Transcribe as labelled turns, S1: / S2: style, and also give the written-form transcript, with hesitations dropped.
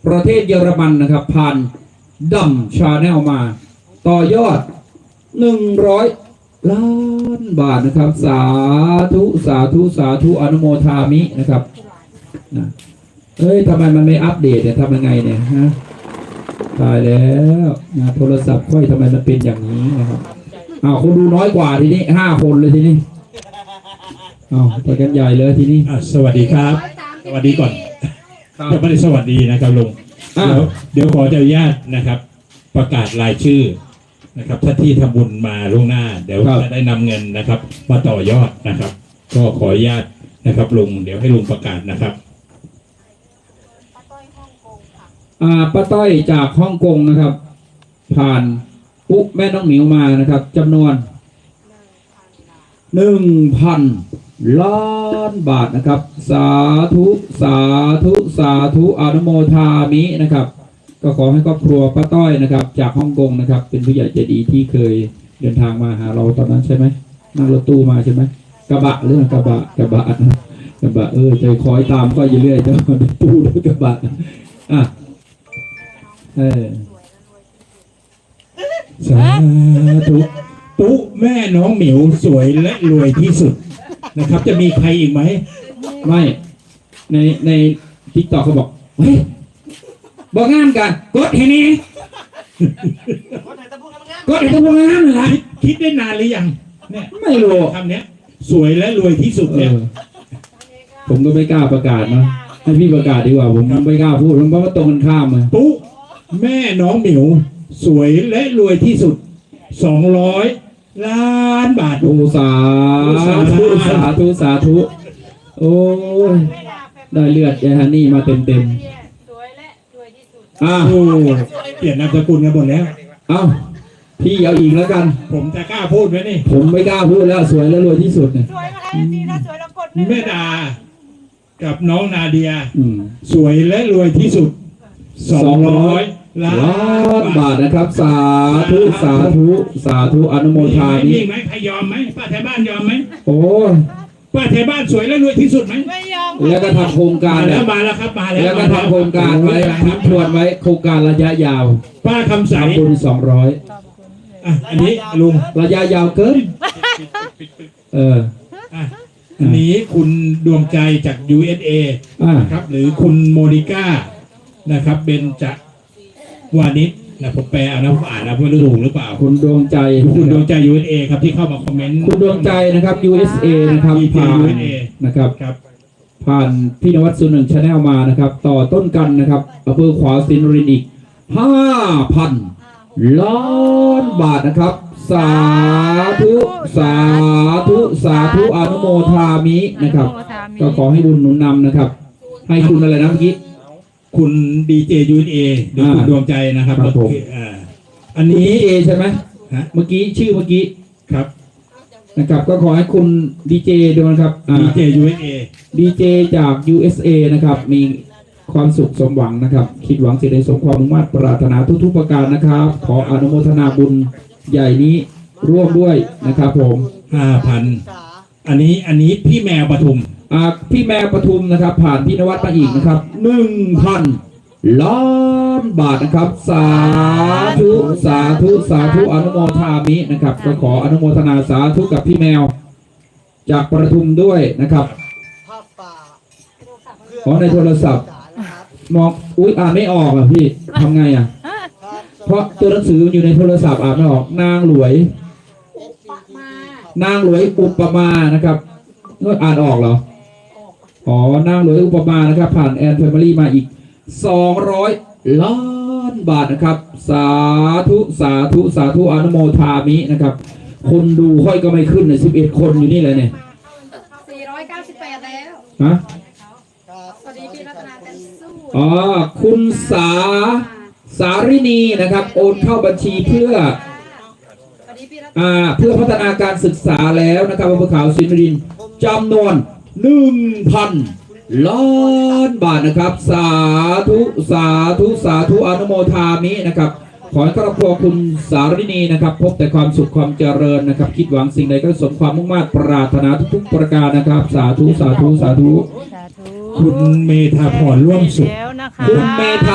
S1: ประเทศเยอรมันนะครับผ่านดัมชาแนลมาต่อยอด100 ล้านบาทนะครับสาธุสาธุสาธุอนุโมทามินะครับนะเฮ้ยทำไมมันไม่อัปเดตเนี่ยทำยังไงเนี่ยฮะตายแล้วนะโทรศัพท์ค่อยทำไมมันเป็นอย่างนี้นะครับคนดูน้อยกว่าทีนี้5 คนเลยทีนี้ไปกันใหญ่เลยทีนี้
S2: สวัสดีครับสวัสดีก่อนยังไม่ได้สวัสดีนะครับลุงเดี๋ยวขออนุญาตนะครับประกาศรายชื่อนะครับถ้าที่ทำบุญมาล่วงหน้าเดี๋ยวจะได้นำเงินนะครับมาต่อยอดนะครับก็ขออนุญาตนะครับลุงเดี๋ยวให้ลุงประกาศนะครับ
S1: ป้าต้อยจากฮ่องกงนะครับผ่านปุ๊แม่น้องหมิวมานะครับจำนวน 1,000 ล้านบาทนะครับสาธุสาธุสาธุอนุโมทามินะครับก็ขอให้ครอบครัวป้าต้อยนะครับจากฮ่องกงนะครับเป็นผู้ใหญ่ใจดีที่เคยเดินทางมาหาเราตอนนั้นใช่ไหมนั่งรถตู้มาใช่ไหมกระบะเรื่องกระบะใจคอยตามก็อยู่เรื่อยจะตู้ด้วยกระบะ
S2: สาธุตุ๊แม่น้องหมิวสวยและรวยที่สุดนะครับจะมีใครอีกไหม
S1: ไม่ในทิกตอกเขาบอกเฮ้ยบอกงานกันกดให้นี่กดให้ตะพูงานเลยนะ
S2: คิดได้นานหรือยังเนี่ย
S1: ไม่รู้
S2: คำนี้สวยและรวยที่สุดเนี่ย
S1: ผมก็ไม่กล้าประกาศนะให้พี่ประกาศดีกว่าผมไม่กล้าพูดเพราะว่าตรงกันข้ามเลย
S2: ตุ๊แม่น้องหมิวสวยและรวยที่สุด200 ล้านบาท
S1: สาธุสาธุสาธุโอ้ยได้เลือดยายฮันนี่มาเต็มส
S3: วยและรวยที่สุด
S2: เปลี่ยนนามสกุลกันหมดแล้ว
S1: พี่เอาอีกแล้วกัน
S2: ผมจะกล้าพูดไหมนี่
S1: ผมไม่กล้าพูดแล้วสวยและรวยที่สุดเนี่ย
S3: สวยมาแล้วจริงนะสวยแล้วกด
S2: แม่ดากับน้องนาเดียสวยและรวยที่สุด200 ล้าน
S1: บาทนะครับสาธุสาธุสาธุอนุโมทามิ
S2: มีไหมใครยอมไหมป้าแถวบ้านยอมไหม
S1: โอ้
S2: ป้าแถวบ้านสวยและรวยที่สุดไหม
S3: ไม่ยอม
S1: แล้วก็ทำโครงการ
S2: แล้วมาแล้วครับมาแล้ว
S1: ก็ทำโครงการไว้ทิ้งทวนไว้โครงการระยะยาว
S2: ป้าคำใส
S1: บุญ200
S2: อันนี้ลุง
S1: ระยะยาวเกิน
S2: อันนี้คุณดวงใจจาก USA นะครับหรือคุณโมนิก้านะครับเบนจวานิชนะผมแปลเอานะผมอ่านนะเพื่อรู้ถูกหรือเปล่า
S1: คุณดวงใจ
S2: USA ครับที่เข้ามาคอมเมนต์
S1: คุณดวงใจนะครับ USA นะครับผ่านนะครับผ่านพี่นวัดสุนึงชาแนลมานะครับต่อต้นกันนะครับอำเภอขวาวสินรินอีก 5,000 ล้านบาทนะครับสาธุสาธุสาธุอนุโมทามินะครับก็ขอให้บุญหนุนนำนะครับให้คุณอะไรนะเมื่อกี้
S2: คุณดีเจUSA หรือคุณดวงใจนะครับ
S1: อันนี้เอใช่ไหมเมื่อกี้ชื่อเมื่อกี้
S2: ครับ
S1: นะครับก็ขอให้คุณดีเจด้วยนะครับ
S2: ดีเจ USA
S1: ดีเจจาก USA นะครับมีความสุขสมหวังนะครับคิดหวังสิ่งใดสมความมุ่งมั่นปรารถนาทุกๆประการนะครับขออนุโมทนาบุญใหญ่นี้ร่วมด้วยนะครับผม
S2: 5,000 อันนี้พี่แมวปทุม
S1: พี่แมวปทุมนะครับผ่านพี่นวัดมาอีกนะครับ 1,000 ล้านบาทนะครับสาธุสาธุสาธุอนุโมทามินะครับก็ขออนุโมทนาสาธุกับพี่แมวจากปทุมด้วยนะครับขอในโทรศัพท์มองอ่านไม่ออกอ่ะพี่ทำไงเพราะตัวหนังสืออยู่ในโทรศัพท์อ่านไม่ออกนางหลวยอุปมานะครับอ่านออกเหรอนางหลวยอุปมานะครับผ่านแอนแฟมิลี่มาอีก200 ล้านบาทนะครับสาธุสาธุสาธุอนุโมทามินะครับคนดูค่อยก็ไม่ขึ้นเลย11 คนอยู่นี่เลยเนี่ย
S3: 498แล้วสวัสดีพี่รัตนาแตนสู้
S1: คุณสารินีนะครับโอนเข้าบัญชีเพื่อพัฒนาการศึกษาแล้วนะครับอำเภอขวาวสินรินจำนวน 1,000 ล้านบาทนะครับสาธุสาธุสาธุอนุโมทามินะครับขอให้ครอบครัวคุณสารินีนะครับพบแต่ความสุขความเจริญนะครับคิดหวังสิ่งใดก็สมความมุ่งมั่นปรารถนาทุกๆประการนะครับสาธุสาธุสาธุ
S2: คุณเมธาพรร่วมสุข
S1: คุณเมธา